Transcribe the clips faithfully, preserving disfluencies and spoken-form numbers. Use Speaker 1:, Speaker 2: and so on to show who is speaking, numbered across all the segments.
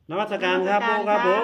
Speaker 1: นมัสการครับปู่ครับผม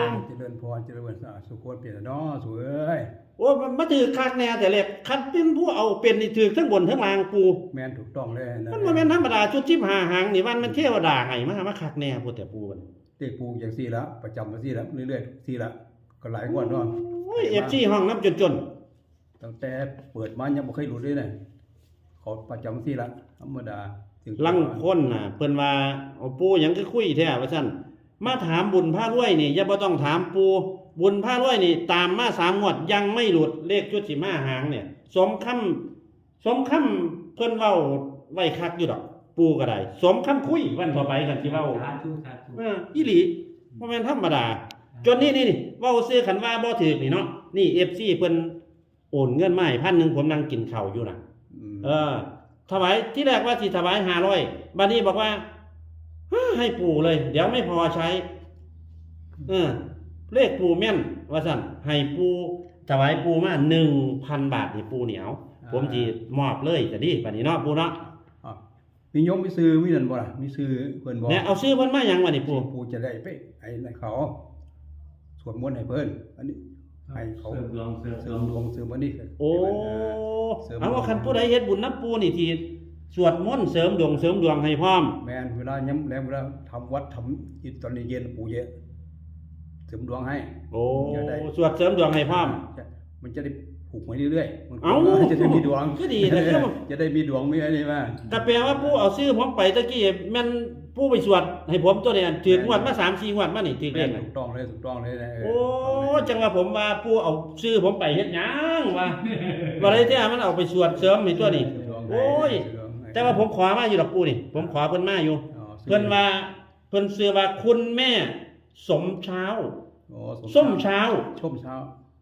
Speaker 2: เจริญพรเจริญสาสุขเปลี่ยนเนาะสวยเอ้ย
Speaker 1: โอ้มันมาถือคักแน่แต่เล็กคันเป็นผู้เอาเป็นนี่ถือทั้งบนทั้งล่างปู่
Speaker 2: แม่นถูกต้องเลยนะ
Speaker 1: มันบ่แม่นธรรมดาชุดทิพหาหางนี่มันมันเทวดาให้มามาคักแน่พูดแต่ปู่มัน
Speaker 2: เด็กปูอย่างสี่ละประจำมาสี่ละเรื่อยๆสี่ละก็หลายงวดเนาะ
Speaker 1: โอ้ย เอฟ ซี ห้องน้ำจนๆ
Speaker 2: ตั้งแต่เปิดมายังบ่เคยหลุดเลยนะเขาประจำสี่ละธรรมดาถึง
Speaker 1: ลังคนน่ะเพิ่นว่าเอาปู่หยังคือคุยแท้ว่าซั่นมาถามบุญพารวยนี่อย่าบ่ต้องถามปู่บุญพารวยนี่ตามมาสามงวดยังไม่หลุดเลขชุดสิมาหางเนี่ยสมคำสมคำเพิ่นเว้าไว้คักอยู่ดอกปู่ก็ได้สมคำคุยวันต่อไปกันสิเว้า
Speaker 3: สาธุสาธุ
Speaker 1: เอออีหลีบ่แม่นธรรมดาจนนี่นี่นี่เว้าซื้อคันว่าบ่ถูกนี่เนาะนี่ เอฟ ซี เพิ่นโอนเงินมาให้พันหนึ่งผมนั่งกินข้าวอยู่น่ะ
Speaker 2: ม
Speaker 1: เออถวายที่แรกว่าสิถวายห้าร้อยบัดนี้บอกว่าฮ่าให้ปู่เลย เดี๋ยวไม่พอใช้เออเลขปู่แม่นว่าซั่นให้ปู่ถวายปู่มา หนึ่งพัน บาทนี่ปู่เหนียวผมสิมอบเลยจะดีบัดนี้เนาะปู่เนาะ
Speaker 2: อ่ะมีโยมมีซื้อมีนั่นบ่ล่ะมีซื้อเพิ่นบ่
Speaker 1: เนี่ยเอาซื้อเพิ่นมาหยังบัดนี้ปู่
Speaker 2: ปูจะได้ไปไอ้นั่นเขาสวดมนต์ให้เพิ่นอันนี้ให้เขา
Speaker 3: เสริมดวงเสริม
Speaker 2: เสริ
Speaker 3: ดว
Speaker 2: ม
Speaker 3: ง
Speaker 2: ดวงเสริมอันนี้
Speaker 1: โอ้
Speaker 2: เสริม
Speaker 1: เอาว่าคันผู้ใดเฮ็ดบุญน้ำปู่นี่ที่สวดมนต์เสริมดวงเสริมดวงให้พร้อม
Speaker 2: แม่นเวลาย้ำแล้วเวลาทำวัดทำอิตอนเย็นปู่เยอะเสริมดวงให้
Speaker 1: โอ้
Speaker 2: จะได้
Speaker 1: สวดเสริมดวงให้พร้อม
Speaker 2: ใช่มันจะได้ผูกไว้เรื่อยๆมัน
Speaker 1: เอ้า
Speaker 2: จะได้มีดวง
Speaker 1: ก็ดีนะคือว่า
Speaker 2: จะได้มีดวงมีอะไรมา
Speaker 1: ก็แปลว่าปู่เอาซื้อผมไปตะกี้แม่นปู่ไปสวดให้ผมตัวเนี่ยถือกงวดมา สามสี่ งวดมานี่ถือเล
Speaker 2: แม่
Speaker 1: ข
Speaker 2: น
Speaker 1: น่ะ
Speaker 2: ถูกต้องเลยถูกต้องเลยนะเ
Speaker 1: โอ้จังว่าผมว่าปู่เอาซื้อผมไปเฮ็ดหยังว่าว่าได้แท้มันเอาไปสวดเสริมให้ตัวนี่
Speaker 2: เสริมดวงให้
Speaker 1: โอ้ย
Speaker 2: เสริมดวงให้
Speaker 1: แต่ว่าผมขอมาอยู่ดอกปู่นี่ ผมขอเพิ่นมาอยู่
Speaker 2: อ๋อซื้อ
Speaker 1: เพิ่นว่าเพิ่นชื่อว่าคุณแม่สมเช้า
Speaker 2: โอ้
Speaker 1: ส้มเช้า
Speaker 2: ส้มเช้า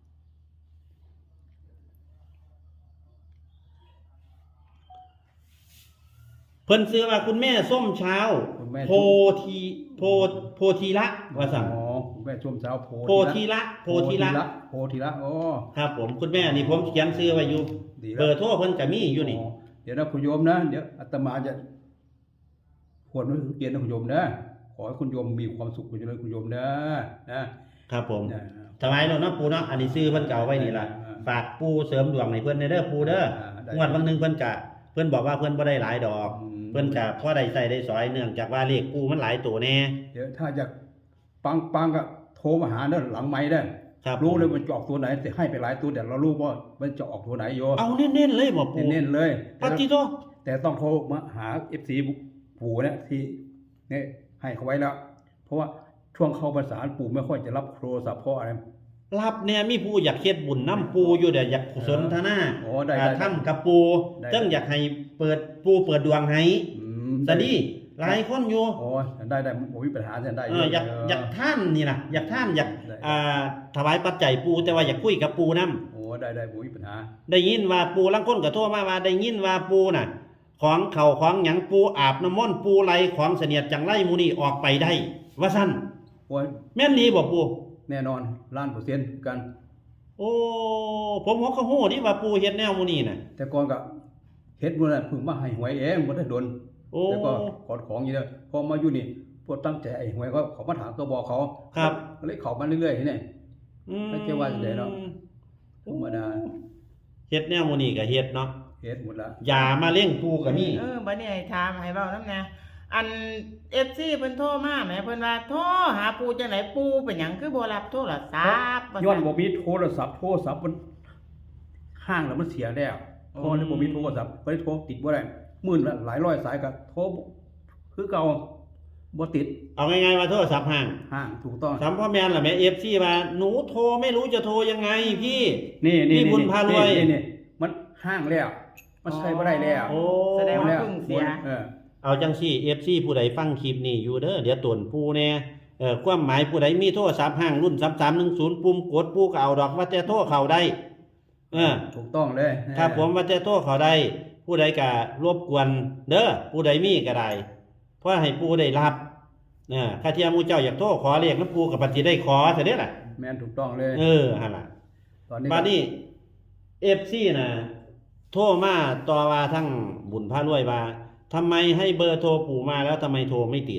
Speaker 1: เพิ่นชื่อว่าคุณแม่ส้มเช้า
Speaker 2: คุณแม่
Speaker 1: โพธีโพโพธีละว่าซั่น
Speaker 2: อ๋อคุณแม่ส้มเช้าโพ
Speaker 1: โพธีละโพธีละ
Speaker 2: โพธีละโอ้
Speaker 1: ครับผมคุณแม่นี่ผมเขียนชื่อไว้อยู่
Speaker 2: ดีแล้ว
Speaker 1: เบอร์โทรเพิ่นก็มีอยู่นี่
Speaker 2: อ๋อเดี๋ยวนะคุณโยมนะเดี๋ยวอาตมาจะขวดมันเกียนนะคุณโยมนะขอให้คุณโยมมีความสุขคุณเจริญคุณโยมนะนะครับ
Speaker 1: ผม
Speaker 2: นะ
Speaker 1: ถวายเนาะเนาะปู่เนาะอันนี้ซื้อเพิ่นเก่าไว้นี่ล่ะ
Speaker 2: อ่า
Speaker 1: ฝากปู่เสริมดวงให้เพิ่นในเด้อปู่เด้อ
Speaker 2: อ่าได้
Speaker 1: งวดบางหนึงเพิ่นก็เพิ่นบอกว่าเพิ่นบ่ได้หลายดอก
Speaker 2: อืม
Speaker 1: เพิ่นก็พอได้ใช้ได้สอยเนื่องจากว่าเลขปู่มันหลายตัวแน่
Speaker 2: เดี๋ยวถ้าจะปังปังก็โทรมาหาเด้อหลังไม้เด้อ
Speaker 1: ครับ
Speaker 2: รู้เลยมันจะออกตัวไหนแต่ให้ไปหลายตัวแต่เรารู้ว่ามันจะออกตัวไหนโย
Speaker 1: เอาเน้นๆเลยบ่ปู่
Speaker 2: เน้นๆเลย
Speaker 1: ปฏิโต
Speaker 2: แต่ต้องโทรมาหา เอฟ ซี ปู่เนี่ยที่เนี่ยให้เขาไว้แล้ว เพราะว่าช่วงเข้าพรรษาปู่ไม่ค่อยจะรับโทรศัพท์เพราะอะไร
Speaker 1: รับเนี่ยมีผู้อยากเฮ็ดบุญนํปู่อยู่เด้ออยากสนทนา
Speaker 2: โอ้ได้
Speaker 1: อ่า
Speaker 2: ได้
Speaker 1: ทำกับปู่
Speaker 2: ได้
Speaker 1: จังอยากให้เปิดปู่เปิดดวงให้
Speaker 2: อืม
Speaker 1: สดีหลายคนอยู่
Speaker 2: โอ้ได้ได้ผมมีปัญหาจะได้
Speaker 1: เอออยากอยากท่านนี่นะอยากท่านอยาก
Speaker 2: ได้
Speaker 1: อ่าถวายปัจจัยปูแต่ว่าอยากคุยกับปูนํ
Speaker 2: โอ้ได้ได้ผมมีปัญหา
Speaker 1: ได้ยินว่าปูลังคนก็โทรมาว่าได้ยินว่าปูน่ะ ของเขาของหยังปูอาบน้ำมนต์ปูไหลของเสนียดจังไรหมูนี่ออกไปได้ ว่าซั่น
Speaker 2: โอ้ย
Speaker 1: แม่นนี้บ่ปู
Speaker 2: แน่นอนล้านเปอร์เซ็นต์กัน
Speaker 1: โอ้ผมหัวเขาฮู้ที่ว่าปูเฮ็ดแนวหมูนี่น่ะ
Speaker 2: แต่ก่อนก็เฮ็ดมันน่ะเพิ่งมาให้หวยเองบ่ได้โดน
Speaker 1: โอ้
Speaker 2: แล้วก็ขอของอยู่เด้อพอมาอยู่นี่พวกตั้งใจไอ้หวยก็เขามาถามก็บอกเขา
Speaker 1: ครับ
Speaker 2: ก็เลยเข้ามาเรื่อยๆนี่
Speaker 1: อืม
Speaker 2: ไม่ใช่ว่าจะได้เนาะ ธรรมดา
Speaker 1: เฮ็ดแนวหมูนี่ก็เฮ็ดเนาะ
Speaker 2: เฮ็ดหมดละ
Speaker 1: อย่ามาเลี้ยงปูก็มี
Speaker 4: เออบัดนี้ให้ถามให้เว้านำแหน่อัน เอฟ ซี เพิ่นโทรมาแหมเพิ่นว่าโทรหาปู่จังไดปู่เป็นหยังคือบ่รับโทรศัพท์ว่า
Speaker 2: ย้อน
Speaker 4: ซั่น
Speaker 2: บ่มีโทรศัพท์โทรศัพท์มันห้างแล้วมันเสียแล้วพอเลยบ่มีโทรศัพท์ก็เลยโทรติดบ่ได้หมื่นละหลายร้อยสายก็โทรบ่คือเก่าบ่ติด
Speaker 1: เอาง่ายๆว่าโทรศัพท์ห่าง
Speaker 2: ห้างถูกต้อง
Speaker 1: สัมพ่อแม่นล่ะแม่ เอฟ ซี ว่าหนูโทรไม่รู้จะโทรยังไงพี่
Speaker 2: นี่นี่
Speaker 1: นี่บุญพารวย
Speaker 2: นี่นี่มันห้างแล้ว มันใช้บ่ได้แล้ว
Speaker 1: โอ้
Speaker 4: แสดงว่า
Speaker 2: แล้ว
Speaker 4: เพิ่งเสีย
Speaker 2: เออ
Speaker 1: เอาจังซี่ เอฟ ซี ผู้ใดฟังคลิปนี้อยู่เด้อเดี๋ยวตวนผู้แน่เอ่อความหมายผู้ใดมีโทรศัพท์ห้างรุ่นสามสามหนึ่งศูนย์ปุ่มกดผู้ก็เอาดอกว่าแต่โทรเข้าได้เออ
Speaker 2: ถูกต้องเลย
Speaker 1: ครับผมว่าแต่โทรเข้าได้ ผู้ใดก็รบกวนเด้อผู้ใดมีก็ได้เพราะให้ผู้ได้รับเออถ้าเทียมมูเจ้าอยากโทรขอเรียกน้ำปูกับปฏิได้ขอซะเด้อล่ะ
Speaker 2: แม่นถูกต้องเลย
Speaker 1: เออหั่นล่ะ
Speaker 2: ตอนนี้
Speaker 1: บัดนี้ เอฟ ซี น่ะโทรมาต่อว่าทั้งบุญพระรวยว่าทำไมให้เบอร์โทรปู่มาแล้วทำไมโทรไม่ติด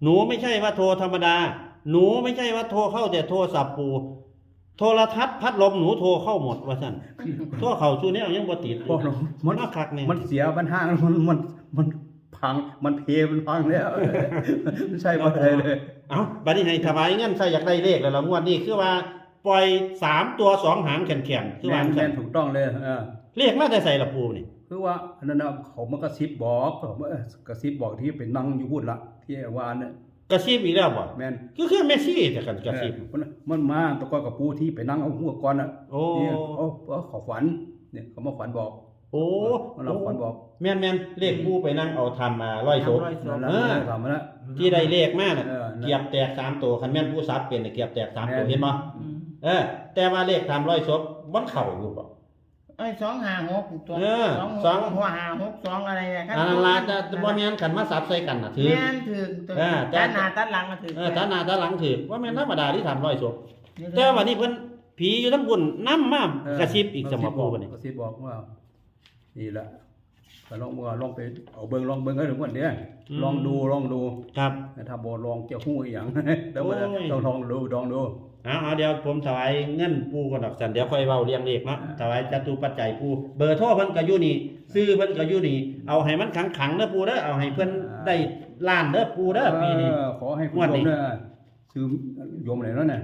Speaker 1: หนูไม่ใช่ว่าโทรธรรมดา หนูไม่ใช่ว่าโทรเข้าแต่โทรศัพท์ปูโทรทัศน์พัดลมหนูโทรเข้าหมดว่าซั่นโทรเข้าสู่แนวยังบ่ติด
Speaker 2: พวกเรา
Speaker 1: มั
Speaker 2: มัน น
Speaker 1: มาคักแน่
Speaker 2: มันเสียปัญหามันมันมันพังมันเพมันพังแล้วไม่ใช่บ่ได้เลย
Speaker 1: เอ้าบัดนี้ให้ถวายเงินใส่อยากได้เลขแล้วล่ะงวดนี้คือว่าปล่อยสามตัวสองหางแข็งๆคือ
Speaker 2: แม่
Speaker 1: ว่าน ซั่
Speaker 2: แม่
Speaker 1: น
Speaker 2: นถูกต้องเลยเออ
Speaker 1: เลขมาแต่ใส่ละปูนี่
Speaker 2: คือว่าอันนั้นน่ะเขามากระซิบบอกเขามากระซิบบอกที่เป็นนั่งอยู่พูดละที่วานเนี่ย
Speaker 1: กระซิบอีกแล้วบ่
Speaker 2: แม่น
Speaker 1: คือคือเมสซี่แต่กันกระซิบ
Speaker 2: เออมันมันมาตะกอนกับปูที่ไปนั่งเอาหัวก่อนน่ะ
Speaker 1: โอ้
Speaker 2: เนี่ยเขาเขาเขาฝันเนี่ยเขามาฝันบอก
Speaker 1: โอ้
Speaker 2: มันเราฝันบอก
Speaker 1: แม่นแม่นเลขปูไปนั่งเอาทำมาร้อยศพ
Speaker 4: ร้อยศพ
Speaker 2: นั่น
Speaker 1: เออ
Speaker 2: แหละทำมาแล้ว
Speaker 1: ที่ได้เลขมาน่ะ
Speaker 2: เออนั่น
Speaker 1: เกียบแตกสามตัวคันแม่นผู้ซับเป็นน่ะเกียบแตกสามตัว
Speaker 2: แม่น
Speaker 1: เห็นบ่
Speaker 4: อืม
Speaker 1: เออ แต่ว่าเลขทำร้อยศพมันเข้าอยู่บ่
Speaker 4: ไอ้สองห้าหกตัว
Speaker 1: เออ
Speaker 4: สอง
Speaker 1: สอง
Speaker 4: หัวห้าหกสองอะไรเนี่ย
Speaker 1: อันนั้นล่ะจะบ่แม่นกันมาซับใส่กันน่ะถือ
Speaker 4: แม่นถือตัว
Speaker 1: เออแต่
Speaker 4: ด้านหน้าด้านหลังก็ถือ
Speaker 1: เออตาหน้าตาหลังถือว่าแม่นธรรมดาที่ทำร้อยศพแต่วันนี้เพิ่นผีอยู่ทั้งบุญนำมากระซิบอีกสมบูรณ์บัดนี้
Speaker 2: กระซิบบอกว่านี่แหละก็ลองมือลองไปเอาเบิ่งลองเบิ่งให้ถึงวันเนี้ยลองดูลองดู
Speaker 1: ครับ
Speaker 2: ถ้าบ่ลองเจ้าฮู้อีหยัง เดี๋ยวมัน
Speaker 1: โอ้ย
Speaker 2: ต้องลองดูลองดู
Speaker 1: เอาเอาเดี๋ยวผมถวายเงินปูก่อนดอกสันเดี๋ยวค่อยเว้าเรียงเลขเนาะถวายจตุปัจจัยปูเบอร์โทรเพิ่นก็อยู่นี่ซื้อเพิ่นก็อยู่นี่เอาให้มันขังๆเด้อปูเด้อเอาให้เพิ่นได้ล้านเด้อปูเด้อปีนี้
Speaker 2: เออขอให้คุณ
Speaker 1: งวด
Speaker 2: โย
Speaker 1: นี้
Speaker 2: มเนี่ยซื้อโยมอะไรแล้วเนี่ย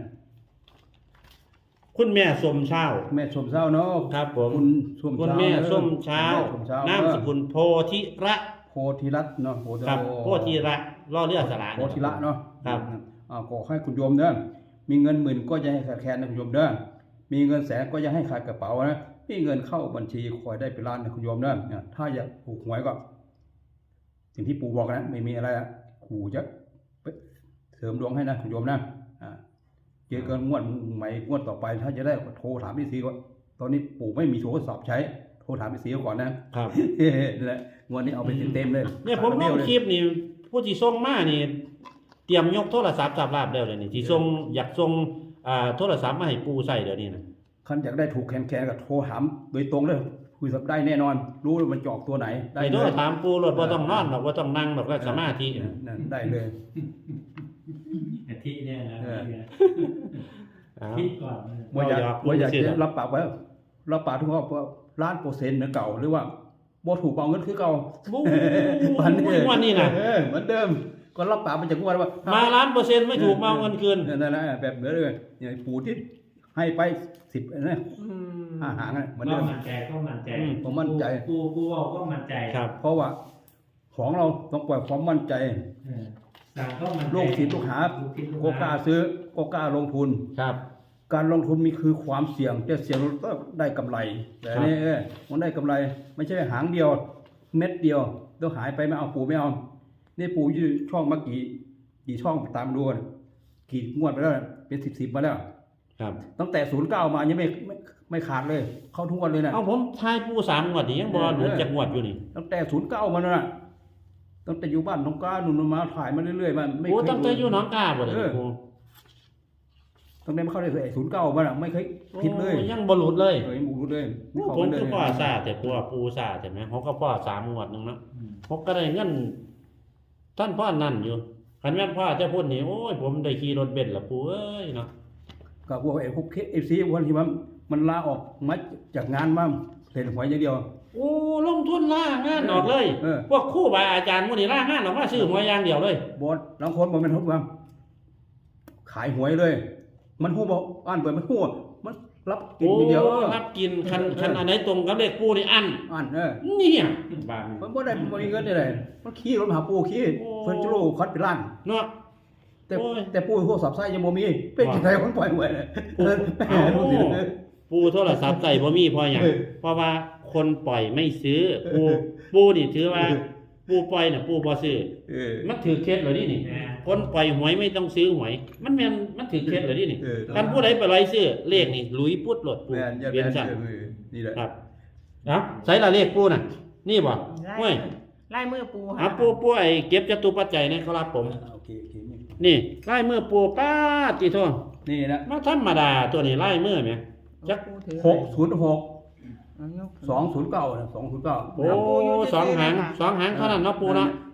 Speaker 1: คุณแม่สมเช้า
Speaker 2: แม่ชมเช้าเนาะ
Speaker 1: ครับผม
Speaker 2: คุณชม
Speaker 1: คุณ
Speaker 2: เช้า
Speaker 1: แม่
Speaker 2: เด้อ
Speaker 1: ส้มเช้า
Speaker 2: แม่ชมเช้าน
Speaker 1: ามสกุลโพธิระ
Speaker 2: โพธิรัตน์เนาะโพธิ
Speaker 1: ครับโพธิระล่อเรือสระ
Speaker 2: โพธิระเนาะ
Speaker 1: ครับ
Speaker 2: อ่าขอให้คุณโยมเด้อมีเงินหมื่นก็จะให้ขาดแคลนนะคุณโยมเด้อมีเงินแสนก็จะให้ขาดกระเป๋านะมีเงินเข้าบัญชีคอยได้เป็นล้านนะคุณโยมเด้อเนี่ยถ้าอยากถูกหวยก็ สิ่งที่ปู่บอกนะไม่มีอะไรอะขู่จะเสริมดวงให้นะคุณโยมนะอ่าเจอกันงวดใหม่งวดต่อไป ถ้าจะได้โทรถามพี่ซีก่อนตอนนี้ปู่ไม่มีโทรศัพท์ใช้โทรถามพี่ซีก่อนนะครับ นั่นแหละงวดนี้เอาไปเต็มๆเลย
Speaker 1: เนี่ยผมลงคลิปนี่ผู้ที่ส่งมานี่ เตรียมยกโทรศัพท์จับลาบแล้วเลยนี่ที่ส่งอยากส่งอ่าโทรศัพท์มาให้ปูใส่เดี๋ยวนี้นะ
Speaker 2: คันอยากได้ถูกแคนแคนก็โทรถามโดยตรงเลยคุยสับได้แน่นอน รู้ว่ามันจะออกตัวไหนได้
Speaker 1: ไอ้
Speaker 2: เล
Speaker 1: โทร
Speaker 2: ย
Speaker 1: ถามปูรถว่าต้องนอนหรอกว่าต้องนั่งหรอกว่าสมาธิ
Speaker 2: นั่นได้เลย
Speaker 3: อาทิเนี่ยนะ
Speaker 2: เออ
Speaker 1: เอา
Speaker 3: คิดก่อน
Speaker 2: ว่าอยาก
Speaker 1: เอา
Speaker 2: ว่าอยาก
Speaker 1: เอา
Speaker 2: จะรับปากไว้รับปากทุกข้อว่าล้านเปอร์เซ็นต์เหมือนเก่าหรือว่าบ่ถูกเอาเงินคือเก่า
Speaker 1: บู๊
Speaker 2: วันนี้
Speaker 1: วันนี้นะ
Speaker 2: เออเหมือนเดิมก็รับปากมันจากงวดว่า
Speaker 1: มาล้านเปอร์เซ็นต์ไม่ถูกมาเอาเงินคืน
Speaker 2: นั่นแหละแบบเหมือนเลยอย่างปู่ที่ให้ไปสิบนะห้าหางนะเหมือน
Speaker 3: ก็
Speaker 2: เดิม
Speaker 3: มั่นใจก็มั่นใจ
Speaker 1: อืม
Speaker 2: ผมมั่นใจ
Speaker 3: กูกูเอาก็มั่นใจ
Speaker 1: ครับ
Speaker 2: เพราะว่าของเราต้องปล่อยความมั่นใจ
Speaker 3: เออสั่งก็มั่นใจ
Speaker 2: ลูกศิษย์ลูกหา
Speaker 3: ลูกศิษย์ลู
Speaker 2: ก็กล้าซื้อก็กล้าลงทุน
Speaker 1: ครับ
Speaker 2: การลงทุนมีคือความเสี่ยงแต่เสี่ยงก็ได้กำไร แต่
Speaker 1: ครับ
Speaker 2: นี่เออมันได้กำไร ไม่ใช่หางเดียว เม็ดเดียวต้องหายไปไม่เอาปู่ไม่เอานี่ปู่ยืดช่องมากี่กี่ช่องตามดูกันกี่งวดไปแล้วเป็นสิบสิบมาแล้ว
Speaker 1: ครับ
Speaker 2: ตั้งแต่ศูนย์เก้ามายังไม่ไม่ไม่ขาดเลย เข้าทุกวันเลยนะ
Speaker 1: เอาผมทายปูสามงวดนี่ยังบอหลุดจากงวดอยู่นี่
Speaker 2: ตั้งแต่ศูนย์เก้ามาแล้วนะตั้งแต่อยู่บ้านน้องก้าหนุนมาถ่ายมาเรื่อยๆมาไม่
Speaker 1: โอ้
Speaker 2: เคย
Speaker 1: ตั้งแต่อยู่หน้องกาบ่เลย
Speaker 2: เออ
Speaker 1: ปู
Speaker 2: ตั้งแต่มาเข้าได้เลยศูนย์เก้ามาน่ะไม่เคยผิดเลย
Speaker 1: โอ้ยังบ่หลุดเลย
Speaker 2: เออยังบุกเลยไม่เข้า
Speaker 1: ผม
Speaker 2: ไปเลย
Speaker 1: คือพ่อซาแต่ปูปูซาแต่ไหมเขาก็พ่อสามงวดหนึงเนาะ
Speaker 3: อืม
Speaker 1: ผมก็ได้เงินท่านพ่อนั่นอยู่คันแม่นพ่อจะพูดนี่โอ้ยผมได้ขี่รถเบนซ์ละปูเอ้ยเนาะ
Speaker 2: กับพวกไอ้พวกเอฟซีวันที่มันมันลาออกมาจากงานมาเล่นหวยอย่างเดียว
Speaker 1: โอ้ลงทุนล่างานออกเลย
Speaker 2: เออ
Speaker 1: พวกครูบาอาจารย์มื้อนี้ล่างานออกมาซื้อหวยอย่างเดียวเลย
Speaker 2: บอสบางคนบอกเป็นทุกวันขายหวยเลย มันหู้บอกอ่านเปิดมันหู้มันรับกิน
Speaker 1: โอ้
Speaker 2: อย่างเดียวเออ
Speaker 1: รับกินคัน
Speaker 2: เออ
Speaker 1: คันอันไหนตรงกับเลขปูนี่อัน
Speaker 2: อ่านเออ
Speaker 1: เนี่ยบาง
Speaker 2: มันบ่ได้บ่มีเงินได้เลยมันขี้รถมาหาปูขี้
Speaker 1: โอ้
Speaker 2: เพิ่นจะโลคัดเป็นล้าน
Speaker 1: เนาะ
Speaker 2: แต่
Speaker 1: โอ้ย
Speaker 2: แต่ปูโทรศัพท์ใช้ยังบ่มี เป็น
Speaker 1: ว่า
Speaker 2: จังไดคนปล่อยหวยเลย
Speaker 1: ปู
Speaker 2: เออแห
Speaker 1: เอ้าม
Speaker 2: ดูสิเออ
Speaker 1: ปูโทรศัพท์ใส่บ่มีเพราะหยัง
Speaker 2: เออ
Speaker 1: เพราะว่าคนปล่อยไม่ซื้อปูปูนี่ถือว่า
Speaker 2: เออ
Speaker 1: ปูปล่อยน่ะปูบ่ซื้อ
Speaker 2: เออ
Speaker 1: มันถือเคล็ดเหรอนี่นี่
Speaker 3: นะ
Speaker 1: คนปล่อยหวยไม่ต้องซื้อหวย มันแม่นมันถือเคล็ดเหรอนี่นี่
Speaker 2: เออ
Speaker 1: การผู้ใดไปไล่ซื้อเลขนี่หลุยพุดโหลดปู
Speaker 2: แม่นอย่า
Speaker 1: เวียน
Speaker 2: แม่น
Speaker 1: สั่น
Speaker 2: เออนี่แหละ
Speaker 1: ครับเนาะใส่ละเลขปูน่ะ นี่บ่
Speaker 4: ไล่
Speaker 1: ห้วย
Speaker 4: ไล่มือปู
Speaker 1: อ่ะปูปูไอ้เก็บจตุปัจจัยนี่ครับผม
Speaker 2: โอเคโอเคนี่
Speaker 1: นี่ไล่มือปูป้าดติโท
Speaker 2: นี่นะ
Speaker 1: มาธรรมดาตัวนี้ไล่มือแหม จัก
Speaker 4: ปูถือ
Speaker 2: หกศูนย์หก
Speaker 4: เอายก
Speaker 2: สองศูนย์เก้านะสองศูนย์เก้า
Speaker 1: โอ้สองหางสองหางเท่านั้นเนาะปูเนาะ
Speaker 2: ต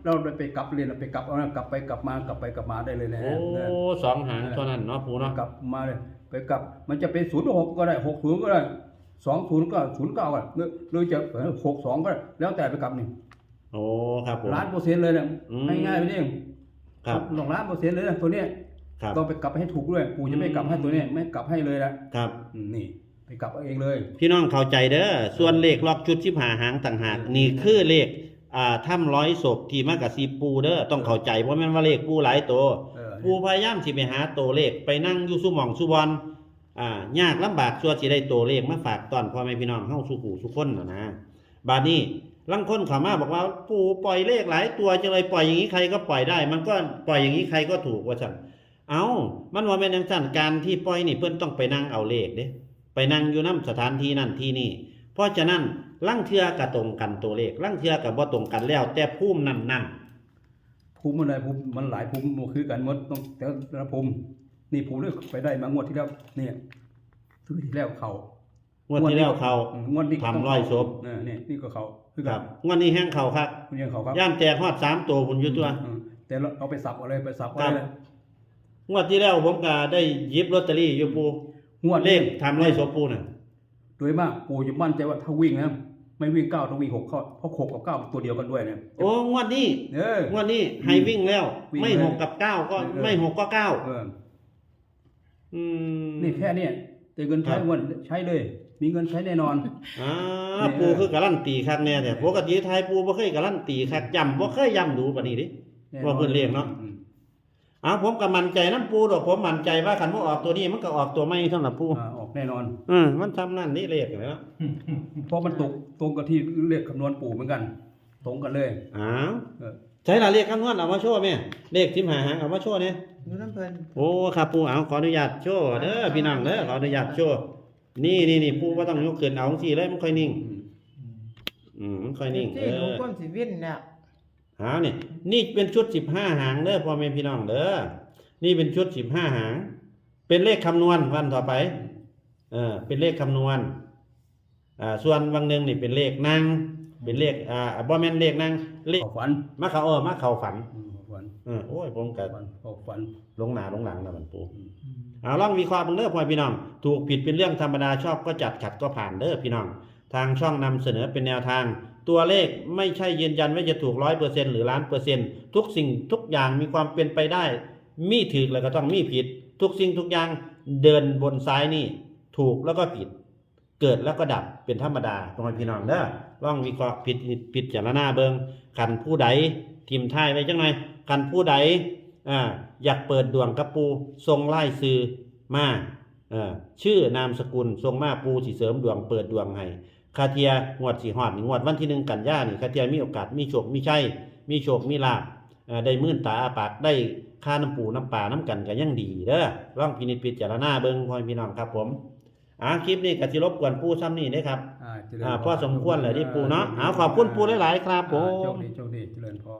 Speaker 2: เราไปกลับเรียนไปกลับเอานะกลับไปกลับมากลับไปกลับมาได้เลยนะ
Speaker 1: โอ้สองหางเท่านั้นเนาะปูเนาะ
Speaker 2: กลับมาเลยไปกลับมันจะเป็นศูนย์หกก็ได้หกศูนย์ก็ได้สองศูนย์ก็ศูนย์เก้าก็หรือหรือจะหกสองก็ได้แล้วแต่ไปกลับนี่
Speaker 1: โอ้ครับผม
Speaker 2: ล้านเปอร์เซ็นต์เลยเนี่ย
Speaker 1: อืม
Speaker 2: ง่ายๆไปนี่
Speaker 1: ครับ
Speaker 2: ลงล้านเปอร์เซ็นต์เลยนะตัวเนี้ย
Speaker 1: ครับ
Speaker 2: ต้องไปกลับให้ถูกด้วยปู่จะไม่กลับให้ตัวเนี้ยไม่กลับให้เลยนะครับ อืมนี่ไปกลับเอาเองเลย
Speaker 1: พี่น้องเข้าใจเด้อส่วนเลขล็อกชุดที่ผ่าหางต่างหากนี่คือเลขอ่าถ้ำร้อยศพที่มากับซีปูเด้อต้องเข้าใจเพราะแม่นว่าเลขปูหลายตัว
Speaker 2: เออ
Speaker 1: ปูพยายามสิไปหาตัวเลขไปนั่งอยู่ซุหม่องซุบอนอ่ายากลำบากชั่วสิได้ตัวเลขมาฝากตอนพ่อแม่พี่น้องเฮาสู่หูสู่คนน่ะนะบาดนี้ลังคนเข้ามาบอกว่าปูปล่อยเลขหลายตัวจังเลยปล่อยอย่างนี้ใครก็ปล่อยได้ มันก็ปล่อยอย่างนี้ใครก็ถูกว่าซั่นเอ้ามันว่าแม่นจังซั่นการที่ปล่อยนี่เพิ่นต้องไปนั่งเอาเลขเด้ไปนั่งอยู่นำสถานที่นั่นที่นี่เพราะฉะนั้นลังเทื่อก็ตรงกันตัวเลขลังเทื่อก็บ่ตรงกันแล้ว แต่ภูมินั้นนั่น
Speaker 2: ภูมิมันอะไรภูมิมันหลายภูมิมันคือกันหมดต้องแต่ละภูมินี่ภูมิเลือกไปได้มางวดที่แล้วเนี่ยซื้อที่แล้วเขา
Speaker 1: งวดที่แล้วเขา
Speaker 2: อืมงวดนี้ก็ต้ง
Speaker 1: ทำร้อยศพ
Speaker 2: เออเนี่ยนี่ก็เขาคือ
Speaker 1: ค
Speaker 2: กั
Speaker 1: รั
Speaker 2: น
Speaker 1: บงวดนี้แห้งเขาครับ
Speaker 2: คุณยังเขาครับ
Speaker 1: ย่านแตกฮอดสามตัวพุ่นอยู่ตัว
Speaker 2: อืมแต่เราเอาไปสับเอาเลยไปสับเอา
Speaker 1: ครับ
Speaker 2: เลย
Speaker 1: งวดที่แล้วผมก็ได้หยิบลอตเตอรี่อยู่ปู
Speaker 2: งวด
Speaker 1: เลขทำร้อยศพปูน่ะ
Speaker 2: โดยมากปู่จะมั่นใจว่าถ้าวิ่งนะไม่วิ่งเก้าต้องวิ่งหกเข้าเพราะหกกับเก้าเป็นตัวเดียวกันด้วยเนี่ย
Speaker 1: โอ้งวดนี้
Speaker 2: เออง
Speaker 1: วดนี้ให้วิ่งแล้ว
Speaker 2: วิ่ง
Speaker 1: ไม่
Speaker 2: เลย
Speaker 1: หกกับเก้าก็
Speaker 2: เออ
Speaker 1: ไม่หกก็เก้า
Speaker 2: เออ
Speaker 1: อืม
Speaker 2: นี่แค่เนี้แต่เงินใช้
Speaker 1: ครับ
Speaker 2: งวดใช้เลย มีเงินใช้แน่นอน
Speaker 1: อ่า
Speaker 2: นี่
Speaker 1: ปูคือการันตีคักแน่แต่ปกติไทยปูบ่เคยการันตีคักย้ำบ่เคยย้ำดูปานนี้ดิ
Speaker 2: แน่นอน
Speaker 1: ว่าเพิ่นเรียกเนาะ
Speaker 2: อืม
Speaker 1: อ้าวผมก็มั่นใจนํปูดอกผมมั่นใจว่าคันบ่ออกตัวนี้มันก็ออกตัวใหม่เท่านั้นปู
Speaker 2: อ่าออกแน่นอน
Speaker 1: อืมมันทำนั่นนี่เลขเนาะ
Speaker 2: เพราะมันตกตรงกับที่เลขคำนวณปู่เหมือนกัน ตรงกันเลย
Speaker 1: อ้าว
Speaker 2: เออ
Speaker 1: ใช้ละเลขคำนวณเอามาโชว์แม่เลขทิมหาหางเอามาโชว์เนี่ย
Speaker 4: อยู่น้ำเพิ่น
Speaker 1: โอ้ครับปูเอาขออนุญาตโชว์เด้อพี่น้องเด้อขออนุญาตโชว์นี่นี่นี่ปูว่าต้องยกขึ้นเอาสิเลยมันค่อยนิ่ง
Speaker 2: อืม
Speaker 1: อืมมันค่อยนิ่งเอ
Speaker 4: ที่หนู
Speaker 1: อ
Speaker 4: ก้นสิวินเนี่ย
Speaker 1: หาเนี่ยนี่เป็นชุดสิบห้าหางเด้อพ่อแม่พี่น้องเด้อนี่เป็นชุดสิบห้าหาง เป็นเลขคำนวณวันต่อไปเออเป็นเลขคำนวณอ่าส่วนบางหนึงนี่เป็นเลขนั่งเป็นเลขอ่าบ่แม่นเลขนั่งเลข
Speaker 2: เข้าฝัน
Speaker 1: มาเขาเออมาเข้าฝัน
Speaker 2: อืมเข้าฝัน
Speaker 1: เออโอ้ยผมก็
Speaker 2: ฝันเข้าฝัน
Speaker 1: ลงหนาลงหลังนะมันปู
Speaker 2: อืม
Speaker 1: เอาลองวิเคราะห์เบิ่งเด้อพ่อพี่น้องถูกผิดเป็นเรื่องธรรมดาชอบก็จัดขัดก็ผ่านเด้อพี่น้องทางช่องนำเสนอเป็นแนวทาง ตัวเลขไม่ใช่ยืนยันว่าจะถูกร้อยเปอร์เซ็นต์หรือล้านเปอร์เซ็นต์ทุกสิ่งทุกอย่างมีความเป็นไปได้ มีถูกแล้วก็ต้องมีผิด ทุกสิ่งทุกอย่างเดินบนซ้ายนี่ถูกแล้วก็ผิด เกิดแล้วก็ดับเป็นธรรมดาพ่อพี่น้องเด้อลองวิเคราะห์ผิดผิดจารณาเบิงคันผู้ใดทิมท้ายไว้จังหน่อยคันผู้ใดอ่าอยากเปิดดวงกับปูทรงไล่ซื้อมาเอ่อชื่อนามสกุลทรงมาปูสิเสริมดวงเปิดดวงให้คาเทียงวดสีหอดนี่งวดวันที่หนึ่งกันยานี่คาเทียมีโอกาสมีโชคมีชัยมีโชคมีลาภเอ่อได้มื่นตาอาปากได้ค่าน้ำปูน้ำปลาน้ำกันก็ยังดีเด้อลองพินิจพิจารณาเบิ่งพ่อพี่น้องครับผมอ่าคลิปนี้ก็สิรบกวนปูซ้ำนี่เด้อครับ
Speaker 2: อ่าเจริญ
Speaker 1: อ่า
Speaker 2: พร
Speaker 1: พอสมควรเลยที่ปูเนาะเอาขอบคุณปูหลายๆครับผ
Speaker 2: อ่าโชค
Speaker 1: ม
Speaker 2: ดีโชคดีเจริญพร